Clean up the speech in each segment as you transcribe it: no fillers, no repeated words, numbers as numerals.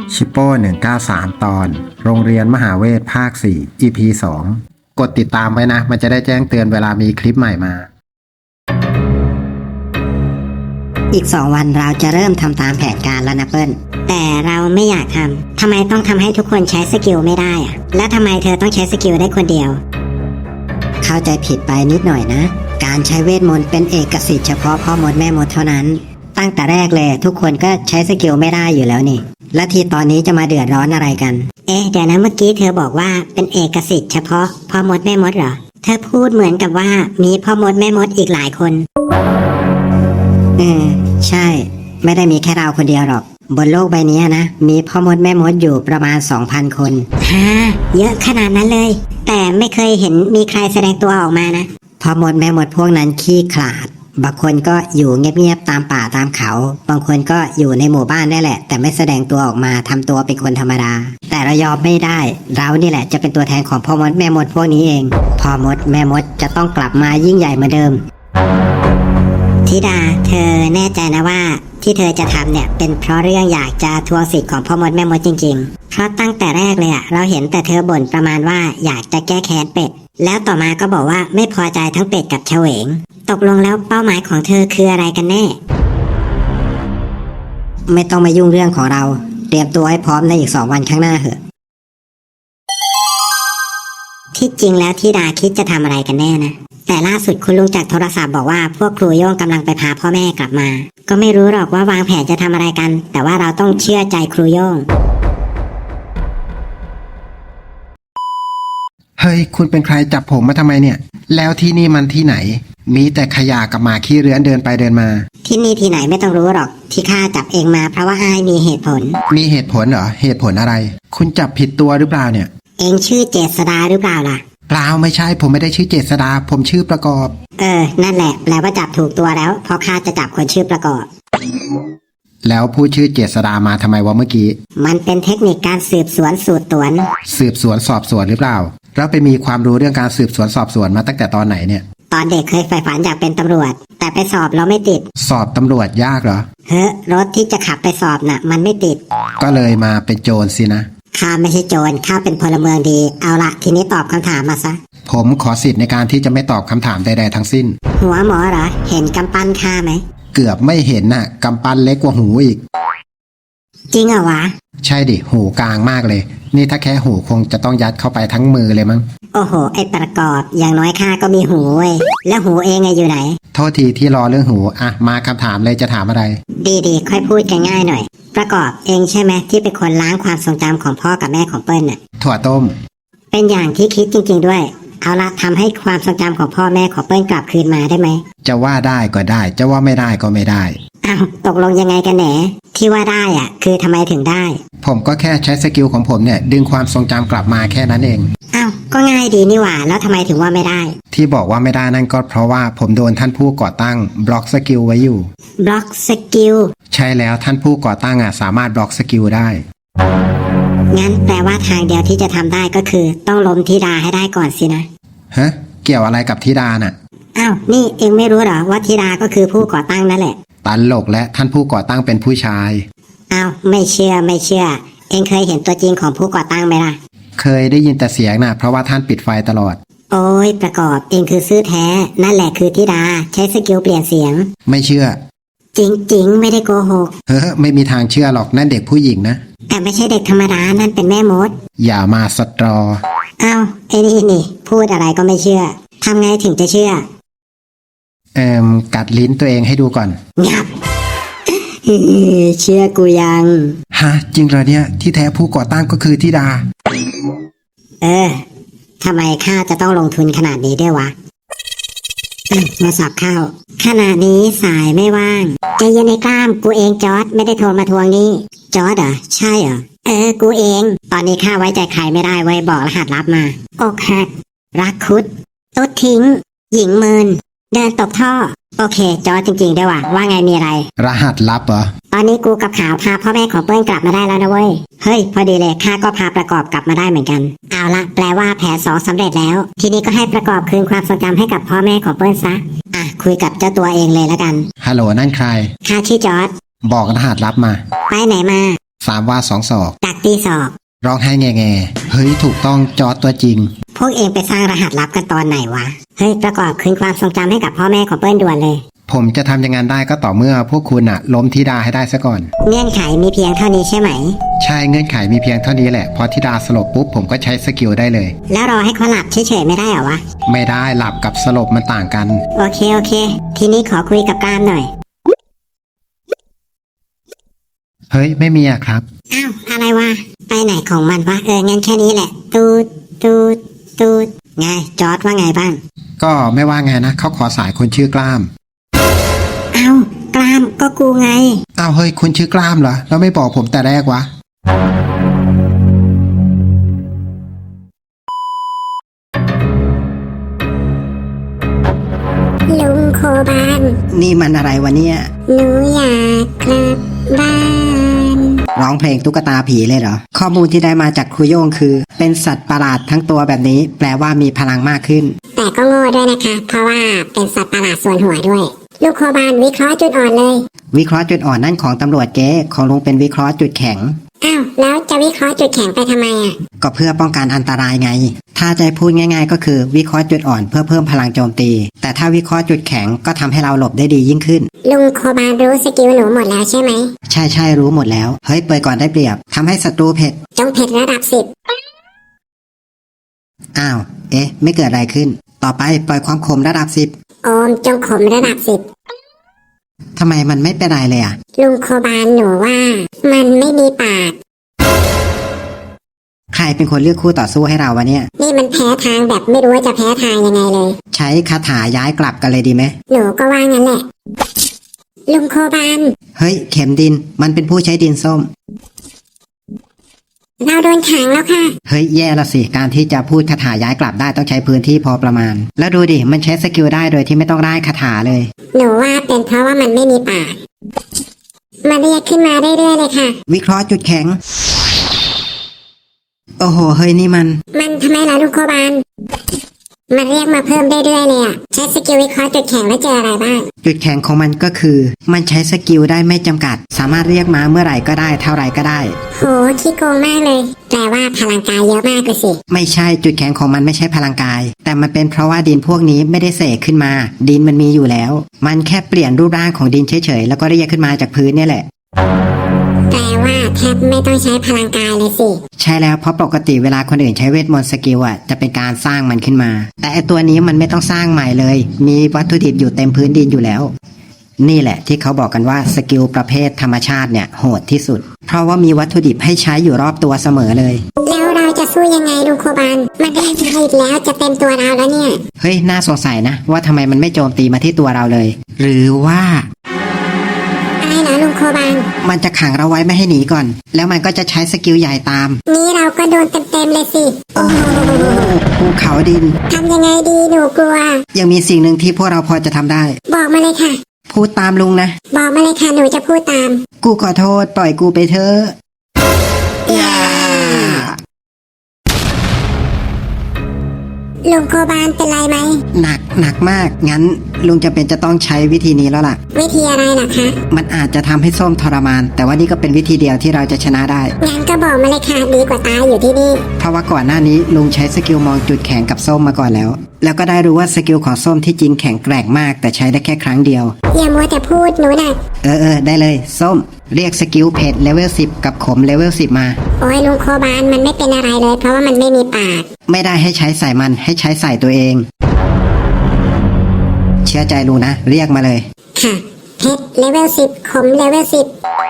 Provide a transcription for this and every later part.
ชิปโป้193 ตอนโรงเรียนมหาเวทภาค 4 EP 2กดติดตามไว้นะ มันจะได้แจ้งเตือนเวลามีคลิปใหม่มาอีก2 วันเราจะเริ่มทำตามแผนการแล้วนะเปิ้ลแต่เราไม่อยากทำไมต้องทำให้ทุกคนใช้สกิลไม่ได้อะและทำไมเธอต้องใช้สกิลได้คนเดียวเข้าใจผิดไปนิดหน่อยนะการใช้เวทมนต์เป็นเอกสิทธิ์เฉพาะพ่อมดแม่มดเท่านั้นตั้งแต่แรกเลยทุกคนก็ใช้สกิลไม่ได้อยู่แล้วนี่และที่ตอนนี้จะมาเดือดร้อนอะไรกันเดี๋ยวนะเมื่อกี้เธอบอกว่าเป็นเอกสิทธิ์เฉพาะพ่อมดแม่มดเหรอเธอพูดเหมือนกับว่ามีพ่อมดแม่มดอีกหลายคนใช่ไม่ได้มีแค่เราคนเดียวหรอกบนโลกใบนี้นะมีพ่อมดแม่มดอยู่ประมาณ 2,000 คนเยอะขนาดนั้นเลยแต่ไม่เคยเห็นมีใครแสดงตัวออกมานะพ่อมดแม่มดพวกนั้นขี้ขลาดบางคนก็อยู่เงียบๆตามป่าตามเขาบางคนก็อยู่ในหมู่บ้านได้แหละแต่ไม่แสดงตัวออกมาทำตัวเป็นคนธรรมดาแต่เรายอมไม่ได้เรานี่แหละจะเป็นตัวแทนของพ่อมดแม่มดพวกนี้เองพ่อมดแม่มดจะต้องกลับมายิ่งใหญ่เหมือนเดิมธิดาเธอแน่ใจนะว่าที่เธอจะทำเนี่ยเป็นเพราะเรื่องอยากจะทวงสิทธิ์ของพ่อมดแม่มดจริงๆเพราะตั้งแต่แรกเลยเราเห็นแต่เธอบ่นประมาณว่าอยากจะแก้แค้นเป็ดแล้วต่อมาก็บอกว่าไม่พอใจทั้งเป็ดกับเฉวงตกลงแล้วเป้าหมายของเธอคืออะไรกันแน่ไม่ต้องมายุ่งเรื่องของเราเตรียมตัวให้พร้อมในอีก2 วันข้างหน้าเถอะที่จริงแล้วธิดาคิดจะทำอะไรกันแน่นะแต่ล่าสุดคุณลุงจากโทรศัพท์บอกว่าพวกครูโย่งกำลังไปพาพ่อแม่กลับมาก็ไม่รู้หรอกว่าวางแผนจะทำอะไรกันแต่ว่าเราต้องเชื่อใจครูโย่งเฮ้ยคุณเป็นใครจับผมมาทำไมเนี่ยแล้วที่นี่มันที่ไหนมีแต่ขยะกับหมาขี้เรื้อนเดินไปเดินมาที่นี่ที่ไหนไม่ต้องรู้หรอกที่ข้าจับเองมาเพราะว่าอ้ายมีเหตุผลมีเหตุผลเหรอเหตุผลอะไรคุณจับผิดตัวหรือเปล่าเนี่ยเองชื่อเจษดาหรือเปล่าล่ะเปล่าไม่ใช่ผมไม่ได้ชื่อเจษดาผมชื่อประกอบนั่นแหละแปลว่าจับถูกตัวแล้วเพราะข้าจะจับคนชื่อประกอบแล้วพูดชื่อเจษดามาทำไมวะเมื่อกี้มันเป็นเทคนิคการสืบสวนสูตรตวนสืบสวนสอบสวนหรือเปล่าแล้วไปมีความรู้เรื่องการสืบสวนสอบสวนมาตั้งแต่ตอนไหนเนี่ยตอนเด็กเคยใฝ่ฝันอยากเป็นตำรวจแต่ไปสอบแล้วไม่ติดสอบตำรวจยากเหรอรถที่จะขับไปสอบน่ะมันไม่ติดก็เลยมาเป็นโจรสินะข้าไม่ใช่โจรข้าเป็นพลเมืองดีเอาละทีนี้ตอบคำถามมาซะผมขอสิทธิ์ในการที่จะไม่ตอบคำถามใดๆทั้งสิ้นหัวหมอเหรอเห็นกำปั้นข้าไหมเกือบไม่เห็นน่ะกำปั้นเล็กกว่าหูอีกจริงเหรอวะใช่ดิหูกลางมากเลยนี่ถ้าแค่หูคงจะต้องยัดเข้าไปทั้งมือเลยมั้งโอ้โหไอ้ประกอบอย่างน้อยข้าก็มีหูเว้ยแล้วหูเองอยู่ไหนโทษทีที่รอเรื่องหูอ่ะมาคำถามเลยจะถามอะไรดีค่อยพูดกันง่ายหน่อยประกอบเองใช่ไหมที่เป็นคนล้างความทรงจำของพ่อกับแม่ของเปิ้ลน่ะถั่วต้มเป็นอย่างที่คิดจริงๆด้วยเอาละทำให้ความทรงจำของพ่อแม่ของเปิ้ลกลับคืนมาได้ไหมจะว่าได้ก็ได้จะว่าไม่ได้ก็ไม่ได้ตกลงยังไงกันแหนที่ว่าได้คือทำไมถึงได้ผมก็แค่ใช้สกิลของผมเนี่ยดึงความทรงจำกลับมาแค่นั้นเองก็ง่ายดีนี่หว่าแล้วทำไมถึงว่าไม่ได้ที่บอกว่าไม่ได้นั่นก็เพราะว่าผมโดนท่านผู้ก่อตั้งบล็อกสกิลไว้อยู่บล็อกสกิลใช่แล้วท่านผู้ก่อตั้งสามารถบล็อกสกิลได้งั้นแปลว่าทางเดียวที่จะทำได้ก็คือต้องล้มธิดาให้ได้ก่อนสินะเกี่ยวอะไรกับธิดาน่ะนี่เองไม่รู้เหรอว่าธิดาก็คือผู้ก่อตั้งนั่นแหละตลกและท่านผู้ก่อตั้งเป็นผู้ชายไม่เชื่อเองเคยเห็นตัวจริงของผู้ก่อตั้งไหมล่ะเคยได้ยินแต่เสียงนะเพราะว่าท่านปิดไฟตลอดโอ้ยประกอบเองคือซื่อแท้นั่นแหละคือธิดาใช้สกิลเปลี่ยนเสียงไม่เชื่อจริงไม่ได้โกหกไม่มีทางเชื่อหรอกนั่นเด็กผู้หญิงนะแต่ไม่ใช่เด็กธรรมดานั่นเป็นแม่มดอย่ามาสตรอไอ้นี่พูดอะไรก็ไม่เชื่อทำไงถึงจะเชื่อกัดลิ้นตัวเองให้ดูก่อนงับเชื่อกูยังจริงเหรอเนี่ยที่แท้ผู้ก่อตั้งก็คือธิดาทำไมข้าจะต้องลงทุนขนาดนี้ด้วยวะมาสอบเข้าขณะนี้สายไม่ว่างใจเย็นในกล้ามกูเองจอร์ดไม่ได้โทรมาทวงนี่จอร์ดเหรอใช่เหรอกูเองตอนนี้ข้าไว้ใจใครไม่ได้ไว้บอกรหัสลับมาอกหักรักคุดตุ๊ดทิ้งหญิงเมินเดินตกท่อโอเคจอร์ดจริงๆด้วยว่าไงมีอะไรรหัสลับเหรอตอนนี้กูกับขาวพาพ่อแม่ของเปิ้ลกลับมาได้แล้วนะเว้ยเฮ้ยพอดีเลยข้าก็พาประกอบกลับมาได้เหมือนกันเอาละแปลว่าแผน2สำเร็จแล้วทีนี้ก็ให้ประกอบคืนความทรงจำให้กับพ่อแม่ของเปิ้ลซะคุยกับเจ้าตัวเองเลยแล้วกันฮัลโหลนั่นใครข้าชื่อจอร์ดบอกรหัสลับมาไปไหนมา 3 วา 2 ศอกดักตีศอกร้องไห้แง่ๆเฮ้ยถูกต้องจอร์จตัวจริงพวกเองไปสร้างรหัสลับกันตอนไหนวะ เฮ้ยประกอบคืนความทรงจำให้กับพ่อแม่ของเปิ้ลด่วนเลยผมจะทำอย่างนั้นได้ก็ต่อเมื่อพวกคุณอะล้มธิดาให้ได้ซะก่อนเงื่อนไขมีเพียงเท่านี้ใช่ไหมใช่เงื่อนไขมีเพียงเท่านี้แหละพอธิดาสลบปุ๊บผมก็ใช้สกิลได้เลยแล้วรอให้เขาหลับเฉยๆไม่ได้เหรอวะไม่ได้หลับกับสลบมันต่างกันโอเค ทีนี้ขอคุยกับกล้ามหน่อยเฮ้ยไม่มีอะครับอ้าว อะไรวะ ไปไหนของมันวะ งั้นแค่นี้แหละ ตูดไง จอร์ดว่าไงบ้างก็ไม่ว่าไงนะเขาขอสายคนชื่อกล้ามอ้าว กล้ามก็กูไงอ้าวเฮ้ยคุณชื่อกล้ามเหรอแล้วไม่บอกผมแต่แรกวะลุงโคบานนี่มันอะไรวะเนี่ยหนูอยากกลับบ้านร้องเพลงตุ๊กตาผีเลยเหรอข้อมูลที่ได้มาจากครูโย่งคือ เป็นสัตว์ประหลาดทั้งตัวแบบนี้ แปลว่ามีพลังมากขึ้นแต่ก็โง่ด้วยนะคะ เพราะว่าเป็นสัตว์ประหลาดส่วนหัวด้วย ลูกโคบานวิเคราะห์จุดอ่อนเลยวิเคราะห์จุดอ่อนนั่นของตำรวจเก๊ของลุงเป็นวิเคราะห์จุดแข็งอ้าว แล้วจะวิเคราะห์จุดแข็งไปทำไมอ่ะก็เพื่อป้องกันอันตรายไง ถ้าจะพูดง่ายๆ ก็คือวิเคราะห์จุดอ่อนเพื่อเพิ่มพลังโจมตี แต่ถ้าวิเคราะห์จุดแข็งก็ทำให้เราหลบได้ดียิ่งขึ้นลุงโคบานรู้สกิลหนูหมดแล้วใช่ไหมใช่รู้หมดแล้ว เฮ้ยเปิดก่อนได้เปรียบทำให้ศัตรูเผ็ดจงเผ็ดระดับอ้าว เอ๊ะ ไม่เกิดอะไรขึ้น ต่อไปปล่อยความขมระดับ 10 โอมจงขมระดับ 10ทำไมมันไม่เป็นไรเลยอ่ะ 10 ลุงโคบานหนูว่า มันไม่มีปากใครเป็นคนเลือกคู่ต่อสู้ให้เราวะเนี่ยนี่มันแพ้ทางแบบไม่รู้ว่าจะแพ้ทางยังไงเลยใช้คาถาย้ายกลับกันเลยดีไหมหนูก็ว่างั้นแหละ ลุงโคบานเฮ้ยเข็มดินมันเป็นผู้ใช้ดินส้มเราโดนขังแล้วค่ะเฮ้ยแย่ละสิการที่จะพูดคาถาย้ายกลับได้ต้องใช้พื้นที่พอประมาณ แล้วดูดิมันใช้สกิลได้โดยที่ไม่ต้องได้คาถาเลยหนูว่าเป็นเพราะว่ามันไม่มีปาก มันเรียกขึ้นมาเรื่อยๆเลยค่ะวิเคราะห์จุดแข็ง โอ้โหเฮ้ยนี่มันมันทำไมล่ะลุงโคบาน มันเรียกมาเพิ่มเรื่อยๆเลยอ่ะ ใช้สกิลวิเคราะห์จุดแข็งแล้วเจออะไรบ้างจุดแข็งของมันก็คือ มันใช้สกิลได้ไม่จำกัด สามารถเรียกมาเมื่อไหร่ก็ได้เท่าไหร่ก็ได้โหขี้โกงมากเลย แปลว่าพลังกายเยอะมากเลยสิไม่ใช่จุดแข็งของมันไม่ใช่พลังกาย แต่มันเป็นเพราะว่าดินพวกนี้ไม่ได้เสกขึ้นมา ดินมันมีอยู่แล้ว มันแค่เปลี่ยนรูปร่างของดินเฉยๆแล้วก็เรียกขึ้นมาจากพื้นเนี่ยแหละแปลว่าแทบไม่ต้องใช้พลังกายเลยสิใช่แล้วเพราะปกติเวลาคนอื่นใช้เวทมนต์สกิลอ่ะจะเป็นการสร้างมันขึ้นมา แต่ไอตัวนี้มันไม่ต้องสร้างใหม่เลย มีวัตถุดิบอยู่เต็มพื้นดินอยู่แล้ว นี่แหละที่เขาบอกกันว่าสกิลประเภทธรรมชาติเนี่ยโหดที่สุด เพราะว่ามีวัตถุดิบให้ใช้อยู่รอบตัวเสมอเลยแล้วเราจะสู้ยังไงลุงโคบาน มันได้ใจอีกแล้วจะเต็มตัวเราแล้วเนี่ยเฮ้ยน่าสงสัยนะว่าทำไมมันไม่โจมตีมาที่ตัวเราเลย หรือว่าอะไรเหรอลุงโคบานมันจะขังเราไว้ไม่ให้หนีก่อน แล้วมันก็จะใช้สกิลใหญ่ตามนี้เราก็โดนเต็มๆเลยสิ โอ้โหภูเขาดินทำยังไงดีหนูกลัวยังมีสิ่งหนึ่งที่พวกเราพอจะทำได้บอกมาเลยค่ะพูดตามลุงนะบอกมาเลยค่ะหนูจะพูดตามกูขอโทษปล่อยกูไปเถอะอย่าลุงโคบานเป็นไรไหมหนักมาก งั้นลุงจะเป็นจะต้องใช้วิธีนี้แล้วล่ะวิธีอะไรล่ะคะมันอาจจะทำให้ส้มทรมาน แต่ว่านี่ก็เป็นวิธีเดียวที่เราจะชนะได้งั้นก็บอกมาเลยค่ะดีกว่าตายอยู่ที่นี่เพราะว่าก่อนหน้านี้ลุงใช้สกิลมองจุดแข็งกับส้มมาก่อนแล้ว แล้วก็ได้รู้ว่าสกิลของส้มที่จริงแข็งแกร่งมาก แต่ใช้ได้แค่ครั้งเดียวอย่ามัวแต่พูดหนูน่ะได้เลยส้ม เรียกสกิลเผ็ดเลเวล10กับขมเลเวล10มาโอ้ยลุงโคบานมันไม่เป็นอะไรเลย เพราะว่ามันไม่มีปากไม่ได้ให้ใช้ใส่มันให้ใช้ใส่ตัวเอง เชื่อใจลุงนะ เรียกมาเลยค่ะเพชรเลเวล10ขมเลเวล10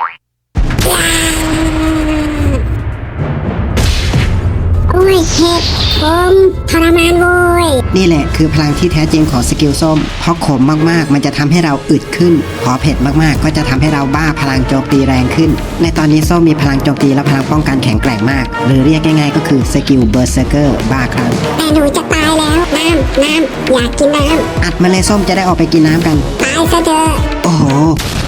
โอ้ยเพชรขมทรมานโว้ยนี่แหละคือพลังที่แท้จริงของสกิลส้มเพราะขมมากๆมันจะทำให้เราอึดขึ้นพอเผ็ดมากๆก็จะทำให้เราบ้าพลังโจมตีแรงขึ้น ในตอนนี้ส้มมีพลังโจมตีและพลังป้องกันแข็งแกร่งมาก หรือเรียกง่ายๆก็คือสกิลเบอร์เซอร์เกอร์บ้าคลั่งแต่หนูจะตายแล้วน้ำอยากกินน้อัดมาเลยส้มจะได้ออกไปกินน้ำกันำตายซะเถอะโอ้โห